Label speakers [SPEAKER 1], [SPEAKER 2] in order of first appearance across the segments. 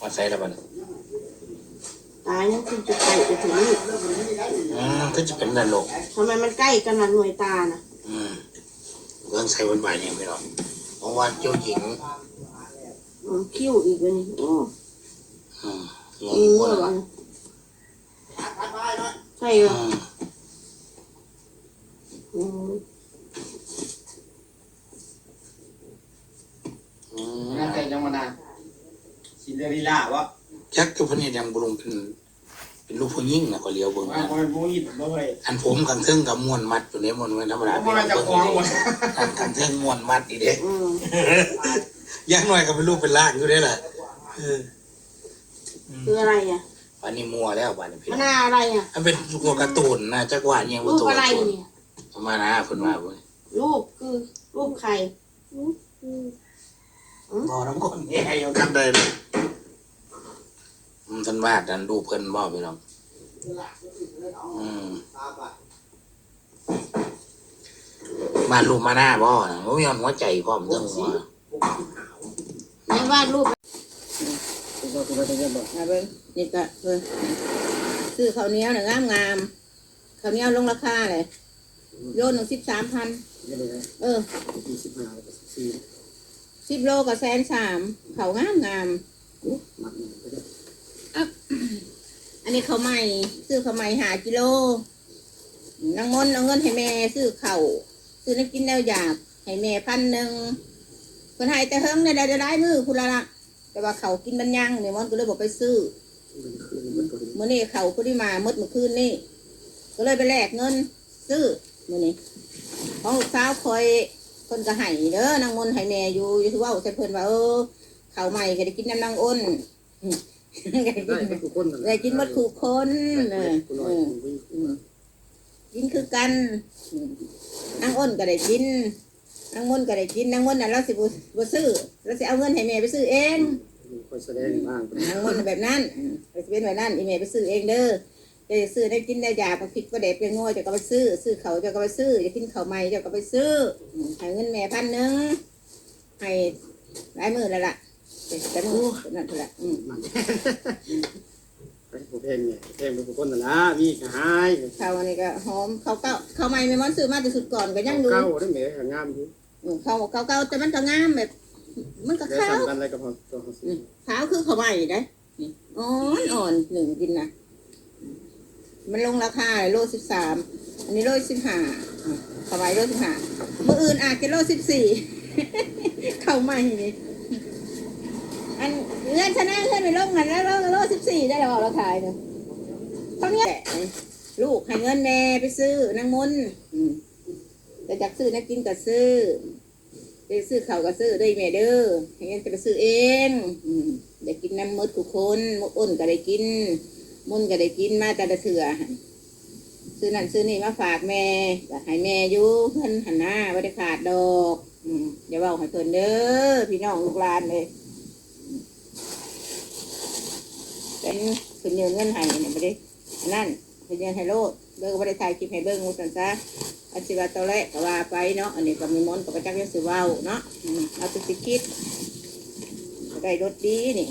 [SPEAKER 1] มาใส่แล้วมัน
[SPEAKER 2] ตายนั่นคือจะใกล้จะถึงนี่
[SPEAKER 1] ก็จะเป็นนั่นโลก
[SPEAKER 2] ทำไมมันใกล้กันล่ะหน่วยตาน่ะ
[SPEAKER 1] เรื่องใส่วันบ่ายเนี่ยไม่หรอกเพราะว่าเจ้าหญิง
[SPEAKER 2] คิ้วอีกเลยโอ้ระวังใช่เหรอ
[SPEAKER 3] นั่นแต่ยังมานานซินเดอเรลล่าวะ
[SPEAKER 1] ยักษ์ตัวพนี้ยังบุรุงเป็นลูกผู้หญิงนะก็เลี้ยวเบิ่งอันผมกันเทิงกับม้วนมัดอยู่ในม้วนไว้ธรรมดาเป็นเบิ่งกันเทิงม้วนมัดอีเด็กยักษ์หน่อยก็เป็นลูกเป็นล่างอยู่ได้แหละ
[SPEAKER 2] คืออะไรอ่ะ
[SPEAKER 1] วันนี้มัวแล้ววันนี้พี่
[SPEAKER 2] มันอะไรอ่ะ
[SPEAKER 1] มันเป็นตัวการ์ตูนนะจักรวาลยัง
[SPEAKER 2] รูปอะไรเนี่ย
[SPEAKER 1] มานะคนมาเว้ย
[SPEAKER 2] รูปคือรูปใคร
[SPEAKER 1] บ่น้ำคนแย่ยังกันได้เลยท่านวาดท่านดูเพิ่นบ่พี่น้องมาลูกมาหน้าบ่นะโอ้ยหัวใจพร้อมเรื่องหัว
[SPEAKER 2] ไม่วาดรูป
[SPEAKER 4] นี่ก็ซื้อข้าวเหนียวหนึ่งงามข้าวเหนียวลงราคาเลยโล113,00010 โลก็130,000ข้าวงามอันนี้ข้าวใหม่ซื้อข้าวใหม่5 กิโลนางมนเอาเงินให้แม่ซื้อข้าวซื้อน้ำกินแล้วอยากให้แม่1,000คนให้แต่เฮิงได้มือคุณละแต่ว่าเขากินมันยังเนี่ยมันก็เลยบอกไปซื้อเมื่อนี้เขาพอดีมาเมื่อคืนนี่ก็เลยไปแลกเงินซื้อเมื่อนี้ของลูกสาวคอยคนก็ให้เด้อนางมนให้แม่อยู่ที่ว่าใส่เพิ่นว่าเขาใหม่ก็ได้กินน้ำนางอ้นได้กินหมดคู่คนกินคือกันนางอ้นก็ได้กินนางมนก็ได้กินนางมนน่ะเราสิบ่ซื้อเราสิเอาเงินให้แม่ไปซื้อเอง
[SPEAKER 3] แสดงบ้าง
[SPEAKER 4] นางมนแบบนั้นเป็นแบบนั้นอีแม่ไปซื้อเองเด้อจะซื้อได้กินได้ยาพอผิดก็เด็ดเป็นง่อยจะก็ไปซื้อเขาจะก็ไปซื้อจะกินเขาใหม่จะก็ไปซื้อให้เงินแม่1,000ให้หลายมื้อแล้วล่ะแต่มื้อนั่นแหละ
[SPEAKER 3] เพลงเนี่ยเพลงเป็นคนนะมีกระหาย
[SPEAKER 4] เขาอันนี้ก็หอมเขาใหม่ไม่มันซื้อมาแต่สุดก่อนก็ยังดู
[SPEAKER 3] เก้าได้เหม่งามอยู่
[SPEAKER 4] เขาแต่มันก็งามแบบมันก็ขาว
[SPEAKER 3] อะไรกับ
[SPEAKER 4] ขาวคือเขาใหม่ได้อ่อน1กินนะมันลงราคาโล13อันนี้โล15เขาใหม่โล15มื้ออื่นอาจจะโล14เขาใหม่นี่อันเงื่อนชนะเงื่อนไปลงกันแล้วโล14ได้แล้วเราขายเนี่ยเพราะเนี้ยลูกให้เงินแม่ไปซื้อนางมนแต่จากซื้อนักกินก็ซื้อไปซื้อเขาก็ซื้อด้วยแม่เด้อให้เงินจะไปซื้อเองได้กินน้ำมดทุกคนมดอ้นก็ได้กินมุนก็ได้กินมาแต่ละเถื่อซื้อนั่นซื้อนี่มาฝากแม่ให้แม่อยู่เพิ่นหันหน้าไม่ได้ขาดดอกอย่าบอกให้เพิ่นเด้อพี่น้องลูกหลานเลยเป็นเพิ่นยืนเงินให้เนี่ยไม่ได้นั่นเพิ่นยืนให้โลดเบิ่งก็ไม่ได้ถ่ายคลิปให้เบิ่งมุสันซะอาชีวะตัวแรกก็ว่าไปเนาะอันนี้ก็มีมนต์กับประจักษ์ยศว่าวเนาะเอาตัวสิคิดได้รสดีนี่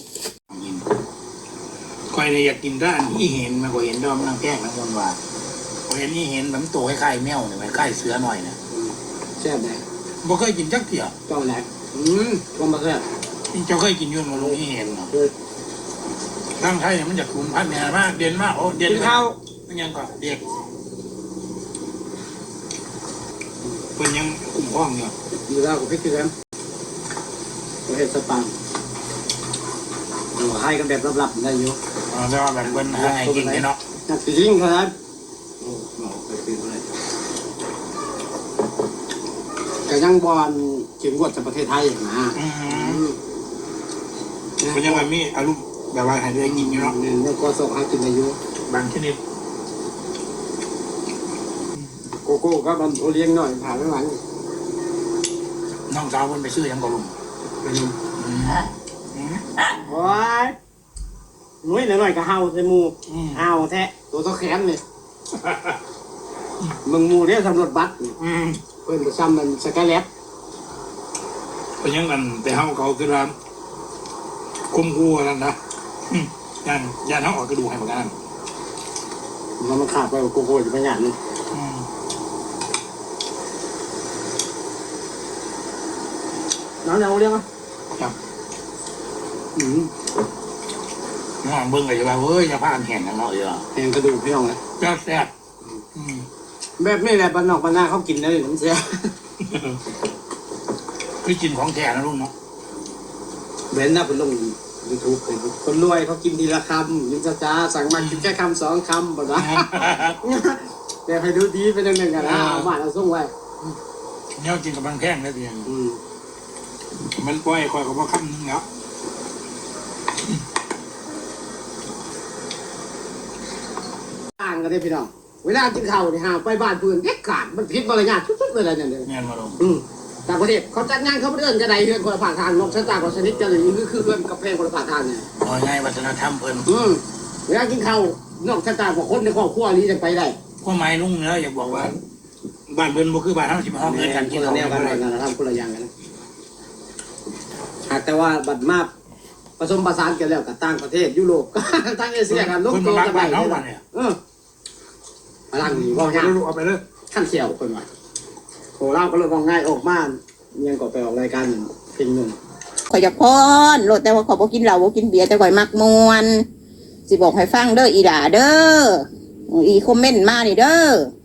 [SPEAKER 1] คอยเลยอยากกินร้านที่เห็นมาก็เห็นดอมนางแป้งนางมนว่าพอเห็นนี่เห็นแบบตัวคล้ายๆแมวเนี่ยคล้ายเสือหน่อยนะ
[SPEAKER 3] แซ่บไหม
[SPEAKER 1] บ่เคยกินจักเถี่ย
[SPEAKER 3] เจ้าแหลกก็มาแซ่บ
[SPEAKER 1] เจ้าเคยกินยุ่นมาลงที่เห็นเนาะร่างไทยเนี่ยมันจะคุ้มพันเนี่ยมากเด่นมากโอ้เด่น
[SPEAKER 3] ข้าว
[SPEAKER 1] มันยังก่อนเด็กเป็นยังคุ้มครองเนี่ย
[SPEAKER 3] อยู่แล้วกับพี่คือกันเราเห็นสปังเราให้กันแบบลับๆได้อยู่
[SPEAKER 1] แต่ว่าแบบเป็นให้กินเนาะ
[SPEAKER 3] จริงครับแต่ยังบอลเข็มกดจากประเทศไทยนะ
[SPEAKER 1] เป็นยังไงมีอารมณ์แบบว่าให้ได้กินอยู่เนาะ
[SPEAKER 3] แล้วก็ส่งให้กินอายุ
[SPEAKER 1] บางชนิด
[SPEAKER 3] โกโก้ก็โอเลี้ยงหน่อยผ่านไม่ไหว
[SPEAKER 1] น้องสาวคนไปซื้อยังกลุม
[SPEAKER 3] ไปดูโอ้ยนุ้ยหน่อยก็เห่าใส่มูเห่าแท้ตัวแขนเลยมึงมูเนี่ยสำรวจบัตรเพื่อนจะซ้ำมันสกายแลบ
[SPEAKER 1] เป็นยังกันแต่เห่าเขาคือร้านคุมคู่นั่นนะย่านเขาออกกระดูกให้เหมือนกัน
[SPEAKER 3] มันขาดไปโกโก้อยู่บางอย่างนึงน้ำเรียกมั้ย
[SPEAKER 1] ครับน้องเบิ้งเลยว่าเฮ้ยอย่าพลาดแข่งกันเนาะเยอะ
[SPEAKER 3] แหงกระดูกพี่น้องเลย
[SPEAKER 1] แซ่บ
[SPEAKER 3] แบบนี้แหละบ้านนอกบ้านนาเขากินได้เลยน้ำเสีย
[SPEAKER 1] คือกินของแท้นะลุงเนาะ
[SPEAKER 3] เว้นนะเป็นลงยูทูบคนรวยเขากินทีละคำยิงจ้าสั่งมากินแค่คำ2 คำแบบนั้นแต่ให้ดูดีเป็นหนึ่งกันนะเอาบ้านเอาส่งไว้
[SPEAKER 1] เนี่ยกินกับมันแพงได้เพียงมันปล่อยคอยกับว่าคำนึงแล้ว
[SPEAKER 3] ต่างกันได้พี่น้องเวลากินข้าวเนี่ยหาไปบ้านเพื่อนเด็กขาดมันผิดมารยาททุกๆเลยอะไรเนี่ย
[SPEAKER 1] แม่นมาลง
[SPEAKER 3] ต่างประเทศเขาจัดงานเขาเดินกระไดเพื่อนคนละผ่านทางนกชะตากว่าชนิดจะเลยนี่คือเพื่อนกับเพลงคนละผ่านทางเนี่ย
[SPEAKER 1] เอาง่ายวัฒนธรรมเพิ่น
[SPEAKER 3] เวลากินข้าวนอกชะตากว่าคนในครอบครัวนี้จะไปได้
[SPEAKER 1] ข้อหมายลุงเนาะอยากบอกว่าบ้านเพิ่นบ่คือบ้านเฮาสิมาห้องเงินกัน
[SPEAKER 3] ค
[SPEAKER 1] กิน
[SPEAKER 3] นละ
[SPEAKER 1] เอา
[SPEAKER 3] แนวกันเลยนะทำคนละอย่างกันหากแต่ว่าบัดมาผสมผสานกันแล้วกับต่างประเทศยุโรปต่างเอเชียกันลง
[SPEAKER 1] เพิ่น
[SPEAKER 3] ตัว
[SPEAKER 1] มา
[SPEAKER 3] กัน
[SPEAKER 1] บ้า
[SPEAKER 3] ไป
[SPEAKER 1] นเฮาบ้านเนี่ย
[SPEAKER 3] พลังนี่ว่าง่าย
[SPEAKER 1] เอาไปเลย
[SPEAKER 3] ขั้นเขียวคนว่าโหเล่าก็เลยว่าง่ายออกมายังก็ไปออกรายการเพลงหนึ่ง
[SPEAKER 4] ข่อยอยากพรโลดแต่ว่าข่อยบ่กินเหล้าบ่กินเบียร์แต่ข่อยมักมวนสิบอกให้ฟังเด้ออีหล่าเด้ออีคอมเมนต์มานี่เด้อ